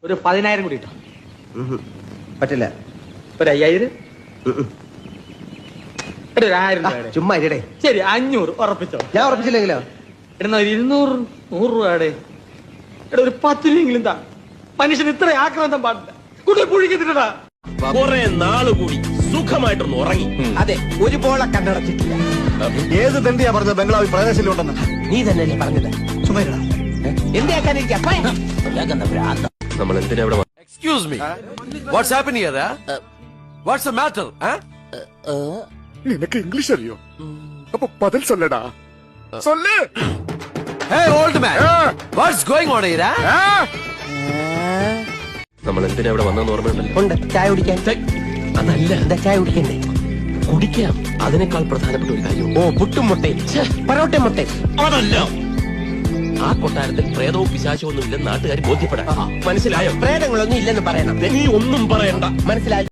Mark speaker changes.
Speaker 1: ഒരു 10,000 കൂടി ഇട്ടോ.
Speaker 2: പറ്റില്ല.
Speaker 1: ഒരു 5,000. ഒരു 1,000 രൂപയുടെ.
Speaker 2: ചുമ്മാ ഇരിടേ.
Speaker 1: ശരി 500 ഉറപ്പിച്ചോ.
Speaker 2: ഞാൻ ഉറപ്പിച്ചില്ലെങ്കിലോ?
Speaker 1: ഇടുന്ന ഒരു 200 100 രൂപയുടെ. ഒരു 10 രൂപയെങ്കിലും താ. മനുഷ്യൻ ഇത്ര ആക്രാന്തം പാടില്ല. കുട്ടി പുഴിക്കത്തില്ലടാ.
Speaker 3: കുറെ നാള് കൂടി സുഖമായിട്ടൊന്ന് ഉറങ്ങി.
Speaker 2: അതെ, ഒരു പോളെ കണ്ണടച്ചിട്ടില്ല.
Speaker 4: ഏത് തണ്ടിയാ പറഞ്ഞത് ബംഗ്ലാവിൽ പ്രവേശനമുണ്ടെന്ന്?
Speaker 2: നീ തന്നെയല്ലേ പറഞ്ഞത്? ചുമരടാ. എന്തിനാക്കാനിരിക്കാ?
Speaker 3: നമ്മൾ എന്തിനാ ഇവിടെ
Speaker 5: Excuse me. What's happening here? What's the matter?
Speaker 4: നിനക്ക് ഇംഗ്ലീഷ് അറിയോ? അപ്പൊ പതിൽ സൊല്ലടാ. സൊല്ല്.
Speaker 5: Hey, old man. What's going on here?
Speaker 3: നമ്മൾ എന്തിനാ ഇവിടെ വന്നെന്ന് ഓർമ്മയുണ്ടല്ലോ.
Speaker 2: ഉണ്ട്. ചായ കുടിക്കാൻ.
Speaker 3: അതല്ല,
Speaker 2: എന്താ ചായ കുടിക്കണ്ടേ?
Speaker 3: കുടിക്കാം. അതിനേക്കാൾ പ്രധാനപ്പെട്ട ഒരു കാര്യം.
Speaker 2: ഓ, പുട്ടും മുട്ടയും പൊറോട്ട മുട്ടയും.
Speaker 3: അതല്ല, ആ കൊട്ടാരത്തിൽ പ്രേതവും പിശാചവും ഒന്നും ഇല്ലെന്ന് നാട്ടുകാർ ബോധ്യപ്പെടാം. മനസ്സിലായോ?
Speaker 2: പ്രേതങ്ങളൊന്നും ഇല്ലെന്ന് പറയണം.
Speaker 3: നീ ഒന്നും പറയണ്ട.
Speaker 2: മനസ്സിലായി.